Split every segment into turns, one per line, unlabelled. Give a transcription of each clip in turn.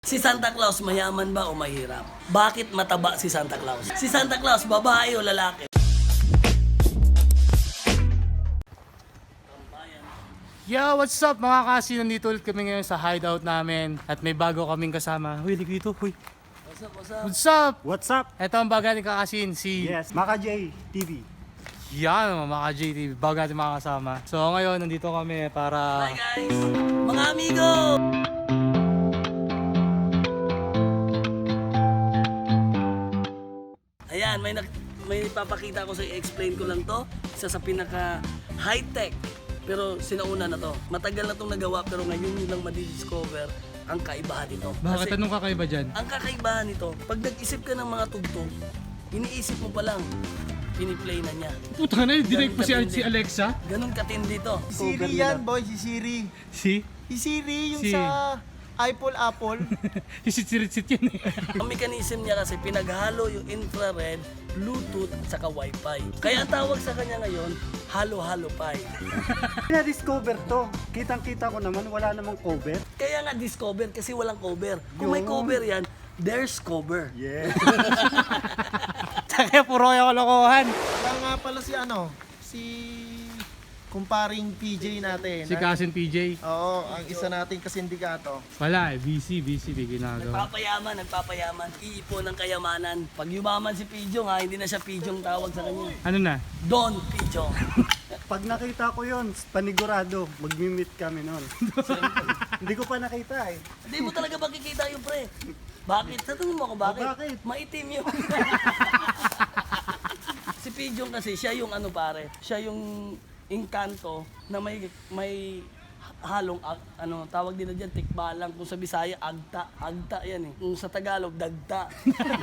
Si Santa Claus mayaman ba o mahirap? Bakit mataba si Santa Claus? Si Santa Claus babae o lalaki?
Yo, what's up mga kasi? Nandito ulit kami ngayon sa hideout namin at may bago kaming kasama. Huy, lig dito, huy.
What's up, what's up?
What's up?
What's up?
Ito ang bago natin kakasin, si...
Yes, Maka J TV.
Yan, mga JTV, bago natin makakasama. So ngayon, nandito kami para...
Hi guys! Mga amigo! Ayan, may papakita ko sa i-explain ko lang to. Isa sa pinaka high-tech. Pero sinauna na to. Matagal na tong nagawa pero ngayon yun lang madidiscover ang kaibahan nito.
Bakit anong kakaiba dyan?
Ang kakaibahan nito, pag nag-isip ka ng mga tugtog, iniisip mo pa lang, piniplay na niya.
Puta na, dinag pa si
Katindi.
Alexa.
Ganun katindi to.
Si Siri yan, boy. Si Siri.
Si?
Si Siri yung
Si-
sa Apple.
Hisit-sirit yun eh.
Ang mechanism niya kasi pinaghalo yung infrared, Bluetooth, at saka Wi-Fi. Kaya ang tawag sa kanya ngayon, halo-halo pi.
Na-discover to. Kitang-kita ko naman, wala namang cover.
Kaya nga discover kasi walang cover. Kung may cover yan, there's cover.
Yeah.
Kaya puro yung kalokohan.
Kaya nga pala si kumparing PJ natin.
Si Cousin PJ.
Oo, ang isa nating kasindikato.
Wala eh, busy may ginagawa.
Nagpapayaman. Iipon ng kayamanan. Pag yumaman si Pijong ha, hindi na siya Pijong tawag sa kanya.
Ano na?
Don Pijong.
Pag nakita ko yon, panigurado, magmi-meet kami noon. Hindi ko pa nakita eh.
Hindi mo talaga makikita yung pre. Bakit? Sa tingin mo ako bakit?
Bakit?
Maitim yun. Si Pijong kasi, siya yung ano pare, siya yung engkanto na may halong tawag nila diyan tikbalang, kung sa Bisaya agta yan eh. Kung sa Tagalog dagta.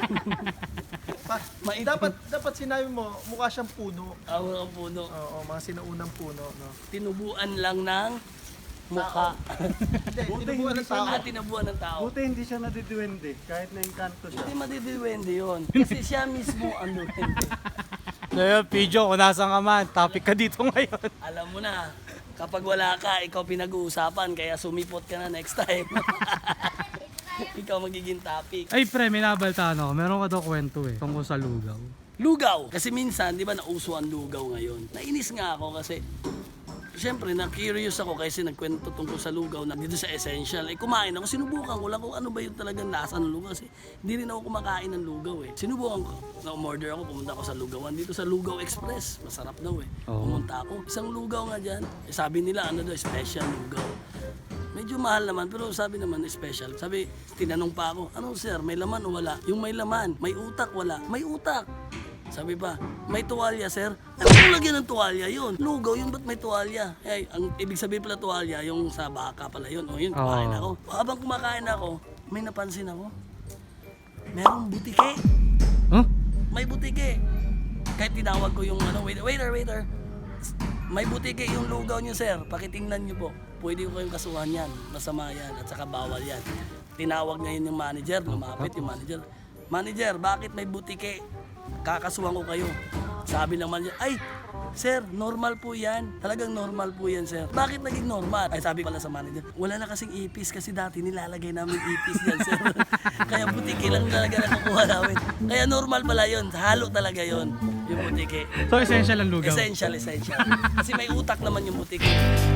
Maitim.
Dapat sinabi mo, mukha siyang puno.
Ang puno.
Oo, mga sinaunang puno, no?
Tinubuan lang ng mukha.
Hindi,
Buti
tinubuan
hindi
ng tao.
Tinubuan ng tao.
Buti hindi siya nadiduwende, kahit na engkanto siya.
Hindi madidiwende yun. Kasi siya mismo ang duwende.
Ngayon, Pijo, kung nasan ka man, topic ka dito ngayon.
Alam mo na, kapag wala ka, ikaw pinag-uusapan, kaya sumipot ka na next time. Ikaw magiging topic.
Ay pre, may nabaltaan ako. Meron ka daw kwento eh, tungkol sa lugaw.
Lugaw. Kasi minsan, di ba, nauso ang lugaw ngayon. Nainis nga ako kasi, siyempre, na-curious ako kasi nagkwento tungkol sa lugaw na dito sa Essential. Eh, kumain ako, sinubukan ko lang kung ano ba yung talagang lasa ng lugaw. Kasi hindi rin ako kumakain ng lugaw eh. Sinubukan ko, na-order ako, pumunta ako sa lugawan. Dito sa Lugaw Express, masarap daw eh.
Oo.
Pumunta ako, isang lugaw nga dyan. Eh, sabi nila, ano daw, special lugaw. Medyo mahal naman, pero sabi naman special. Sabi, tinanong pa ako, ano sir, may laman o wala? Yung may laman, may utak, wala. May utak. Sabi pa, may tuwalya sir? Ano kung lagyan ng tuwalya yun? Lugaw yun, ba't may tuwalya? Eh, ang ibig sabihin pala tuwalya, yung sa baka pala yun. O yun, kumain ako. Habang kumakain ako, may napansin ako. Merong butike.
Huh?
May butike. Kahit tinawag ko yung waiter. May butike yung lugaw nyo sir, pakitingnan nyo po. Pwede ko kayong kasuhan yan, masama yan, at saka bawal yan. Tinawag ngayon yung manager, lumapit yung manager. Manager, bakit may butike? Kakasuhan ko kayo. Sabi ng manager, ay, sir, normal po yan. Talagang normal po yan, sir. Bakit naging normal? Ay, sabi pala sa manager, wala na kasing ipis kasi dati nilalagay namin ipis yan, sir. Kaya butike lang talaga nakukuha namin. Kaya normal pala yun. Halo talaga yun, yung butike.
So essential ang lugaw?
Essential. Kasi may utak naman yung butike.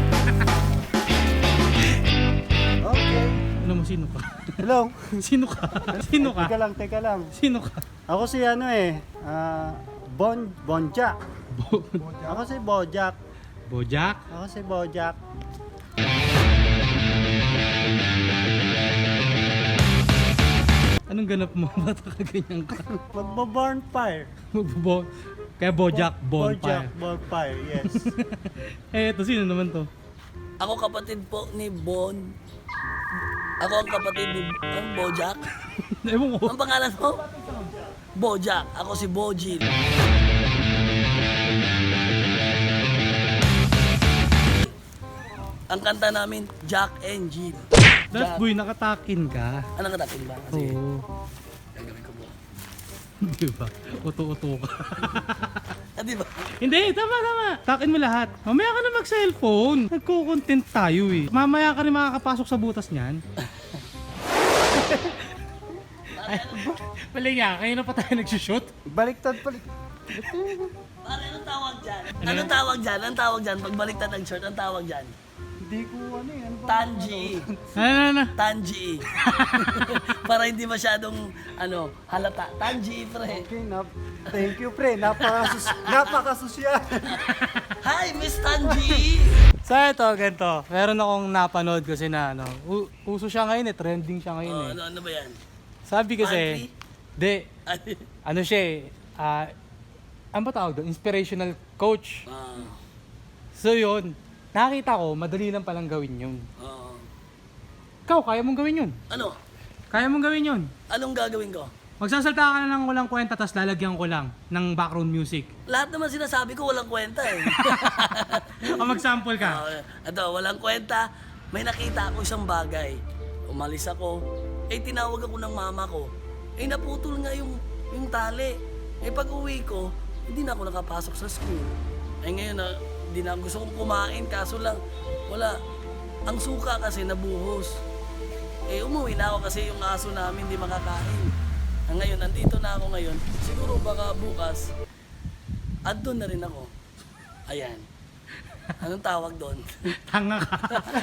Okay.
Ano mo, sino ka?
Hello.
Sino ka? Sino ka?
Teka lang.
Sino ka?
Ako si Bonjak. Ako si Bojack.
Bojack?
Ako si Bojack.
Anong ganap mo? Ba't ka ganyan ka?
Magbo-bonfire.
Kaya Bojack, bonfire.
Bonfire, yes.
Eh, ito, sino naman to?
Ako kapatid po ni Bon. Ako ang kapatid ni Bojack.
Ewan ko.
Ang pangalan mo? Bojack. Ako si Bojil. Ang kanta namin, Jack and Jill.
That boy, nakatakin ka.
Ano ka natin ba? Kasi
Oo.
gagawin ko mo.
Di ba? Uto-uto ka.
Di ba?
Hindi, tama. Takin mo lahat. Mamaya ka na mag-cellphone. Nagko-content tayo eh. Mamaya ka rin makakapasok sa butas niyan. Mali nga, ngayon na pa tayo nagsushoot.
Baliktad palik.
Pare, anong tawag dyan? Anong tawag dyan? Anong tawag dyan? Pag baliktad ang shirt, anong tawag dyan?
Hindi ko ano yan.
Tanji.
Ano?
Tanji. Para hindi masyadong, halata. Tanji, pre.
Okay, thank you pre. Napakasosyal.
Hi, Miss Tanji!
So ito, ganito. Meron akong napanood kasi na uso siya ngayon trending siya ngayon
Oh, ano ba yan?
Sabi kasi,
Monthly?
siya ano ba tawag doon? Inspirational coach. So yun, nakita ko, madali lang palang gawin yun. Ikaw, kaya mong gawin yun.
Ano?
Kaya mong gawin yun.
Anong gagawin ko?
Magsasalta ka na ng walang kwenta, tapos lalagyan ko lang ng background music.
Lahat naman sinasabi ko walang kwenta eh.
O mag-sample ka.
Ito, walang kwenta. May nakita ako isang bagay. Umalis ako. Tinawag ako ng mama ko. Naputol nga yung tali. Pag uwi ko, hindi na ako nakapasok sa school. Ngayon hindi na gusto kong kumain. Kaso lang, wala. Ang suka kasi nabuhos. Umuwi na ako kasi yung aso namin hindi makakain. Ngayon, nandito na ako ngayon. Siguro baka bukas, andun na rin ako. Ayan. Anong tawag doon?
Tanga ka.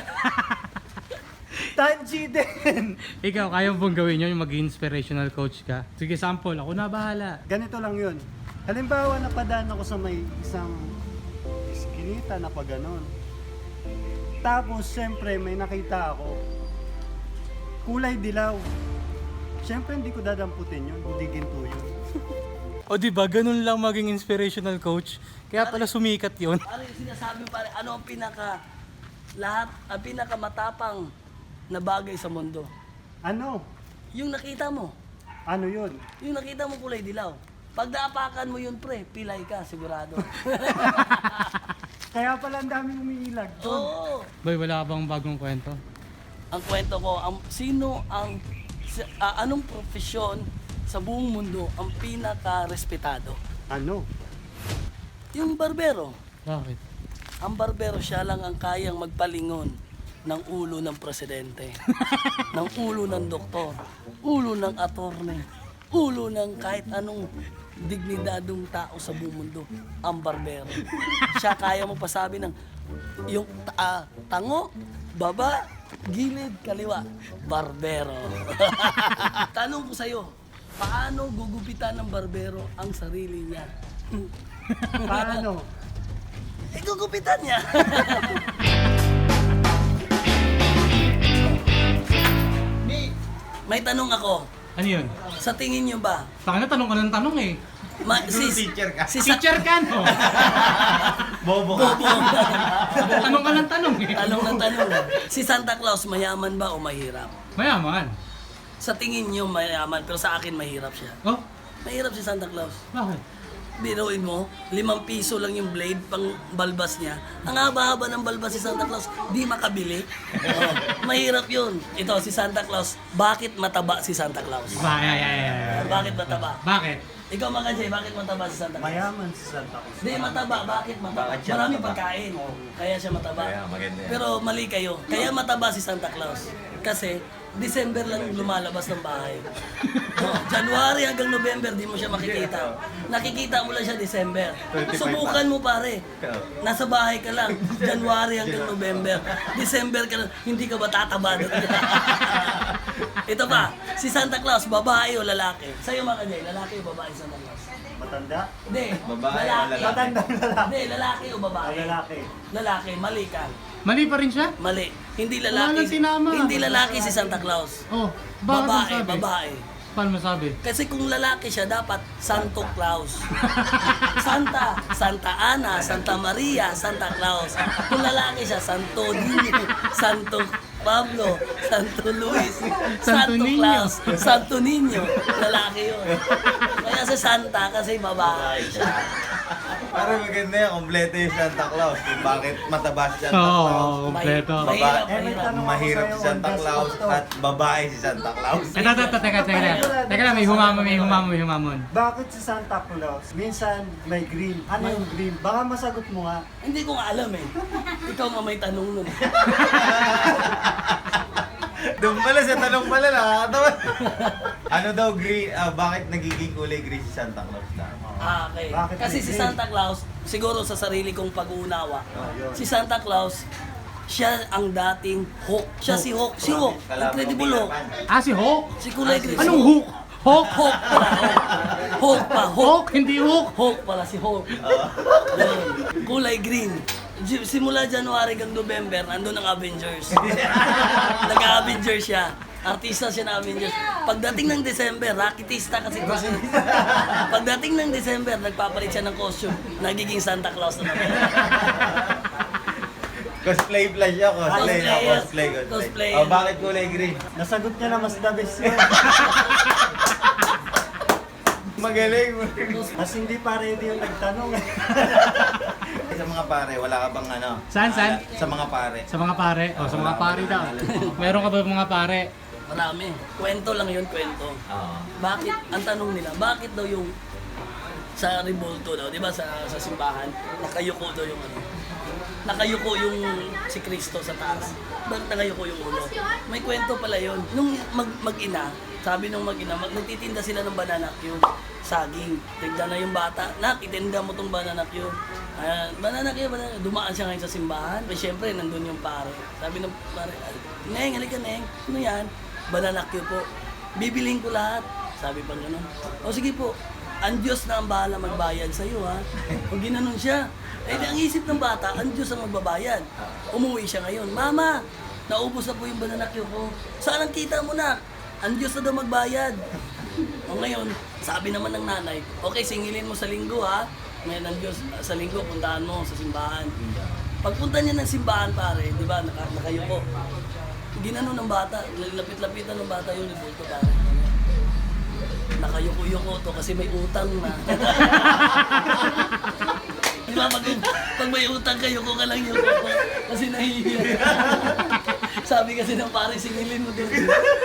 Tanji din.
Ikaw, kaya mo bang gawin yun, yung mag-inspirational coach ka? Sige, sample. Ako na bahala.
Ganito lang yun. Halimbawa, napadaan ako sa may isang iskinita na pa ganon. Tapos, syempre, may nakita ako. Kulay dilaw. Syempre, hindi ko dadamputin yun. Hindi ginto yun.
O diba, ganun lang maging inspirational coach. Kaya pala sumikat yun.
Ano yung sinasabi mo pare? Ano ang pinakamatapang na bagay sa mundo?
Ano?
Yung nakita mo.
Ano yun?
Yung nakita mo kulay dilaw. Pag naapakan mo yun pre, pilay ka, sigurado.
Kaya pala ang daming umiilag doon.
Oo.
Boy, wala ka bang bagong kwento?
Ang kwento ko, anong profesyon sa buong mundo ang pinaka-respetado?
Ano?
Yung barbero.
Bakit?
Ang barbero siya lang ang kayang magpalingon ng ulo ng presidente, ng ulo ng doktor, ulo ng attorney, ulo ng kahit anong dignidadong tao sa buong mundo, ang barbero. Siya kaya magpasabi ng yung tango, baba, gilid, kaliwa, barbero. Tanong ko sa'yo, paano gugupitan ng barbero ang sarili niya?
Paano?
Gugupitan niya. May tanong ako.
Ano yun?
Sa tingin niyo ba?
Taka na, tanong ka ng tanong eh.
Teacher ka.
Teacher ka, no?
Bobo ka.
Tanong ka ng tanong eh.
Tanong ng tanong. Si Santa Claus mayaman ba o mahirap?
Mayaman.
Sa tingin niyo mayaman, pero sa akin mahirap siya.
Oh,
Mahirap si Santa Claus.
bakit?
Biruin mo, 5 piso lang yung blade pang balbas niya. Ang haba-haba ng balbas si Santa Claus, di makabili. Mahirap yun. Ito, si Santa Claus, bakit mataba si Santa Claus? Bakit mataba?
Bakit?
Ikaw mga Jay, bakit mataba si Santa Claus?
Mayaman si Santa Cruz.
Hindi, mataba. Bakit mataba?
Bakit siya
Marami
mataba?
pagkain. Kaya siya mataba.
Kaya, maganda yan.
Pero mali kayo. Kaya mataba si Santa Claus. Kasi December lang lumalabas ng bahay. January hanggang November, di mo siya makikita. Nakikita mo lang siya December. Subukan mo pare. Nasa bahay ka lang. January hanggang November. December ka lang. Hindi ka ba tataba doon? Ito pa, si Santa Claus, babae o lalaki? Sa'yo mga Jay, lalaki o babae Santa Claus?
Matanda?
Hindi.
Babae o lalaki?
Matanda lalaki.
Hindi, lalaki o babae?
Lalaki.
Lalaki, mali ka.
Mali pa rin siya?
Mali. Hindi
Wala
lalaki.
nang tinama.
Hindi lalaki si Santa Claus.
Oh, bakit
Babae,
masabi?
babae.
Paano masabi?
Kasi kung lalaki siya, dapat Santo Claus. Santa Ana, Santa Maria, Santa Claus. Kung lalaki siya, Santo Niño, Santo Pablo, Santo Luis,
Santo
Santo
Niño.
Claus, Santo Niño. Lalaki yun. Kaya sa Santa, kasi babae siya.
Para maganda yan, kompleto yung Santa Claus. Kung bakit mataba si Santa
Oo,
Claus.
kompleto.
Mahirap,
Eh, may
mahirap.
tanong ako
Mahirap
sa'yo
si Santa
on the
Claus
spot to.
at babae si Santa Claus.
Teka lang, may humamon.
Bakit si Santa Claus minsan may green? Ano yung green? Baka masagot mo nga.
Hindi ko nga alam eh. Ikaw nga may tanong nun.
Doon pala sa tanong pala, nakakatawa. Ano daw, bakit nagiging kulay green si Santa Claus na?
Okay.
Bakit
Kasi
may
si
green?
Santa Claus, siguro sa sarili kong pag-uunawa,
yun.
si Santa Claus, siya ang dating Hulk. Siya si Hulk. Si Hulk. Incredible Hulk.
Si Hulk?
Si Kulay Green.
Anong Hulk? Hulk?
Hulk pala. Hulk pa. Hulk.
Hulk? Hindi Hulk.
Hulk pala si Hulk. Yun. Kulay green. Simula January hanggang November, nandun ang Avengers. Nag-Avengers siya. Artista siya na Avengers. Pagdating ng December, rakitista kasi ito siya. Pagdating ng December, nagpapalit siya ng costume. Nagiging Santa Claus na naman.
Cosplay pala siya, cosplay.
Cosplay, yes.
Cosplay.
Cosplay.
Oh, bakit kulay green?
Nasagot niya na mas the best yun.
Magaling.
Mas hindi pa ready yung nagtanong.
Sa mga pare, wala ka bang ano?
Saan?
Sa mga pare.
Sa mga pare? Sa mga pare daw. Meron ka ba mga pare?
Marami. Kwento lang yun, kwento.
Oo.
Bakit, ang tanong nila, bakit daw yung sa Revolto daw, di ba sa simbahan, nakayuko daw yung ano, nakayuko yung si Kristo sa taas. Bakit nakayuko yung ulo? May kwento pala yun. Nung mag-ina, sabi nung mag-ina, nagtitinda sila ng bananak yung saging. Tignan na yung bata, nak, itinda mo tong bananak yun. Bananak yun, bananak. Dumaan siya ngayon sa simbahan. Pero syempre, nandun yung pare. Sabi ng pare, Neng, halika Neng, ano yan? Bananak yun po. Bibiling ko lahat. Sabi pa gano'n. O sige po, ang Diyos na ang bahala magbayad sa iyo, ha? Kung ginanon siya. Eh, ang isip ng bata, ang Diyos ang magbabayad. Umuwi siya ngayon, Mama, naubos na po yung bananakyo ko. Saan ang kita mo na? Ang Diyos na daw magbayad. O ngayon, sabi naman ng nanay, okay, singilin mo sa linggo, ha? Ngayon ang Diyos, sa linggo, puntahan mo sa simbahan. Pagpunta niya ng simbahan, pare, di ba, nakayuko. Ginanon ng bata, lapit-lapitan ng bata yung Revolto, pare. Nakayuko-yuko to kasi may utang na. Di ba, pag may utang ka, yuko ka lang yuko. Kasi nahihiya. Sabi kasi ng pare, singilin mo doon.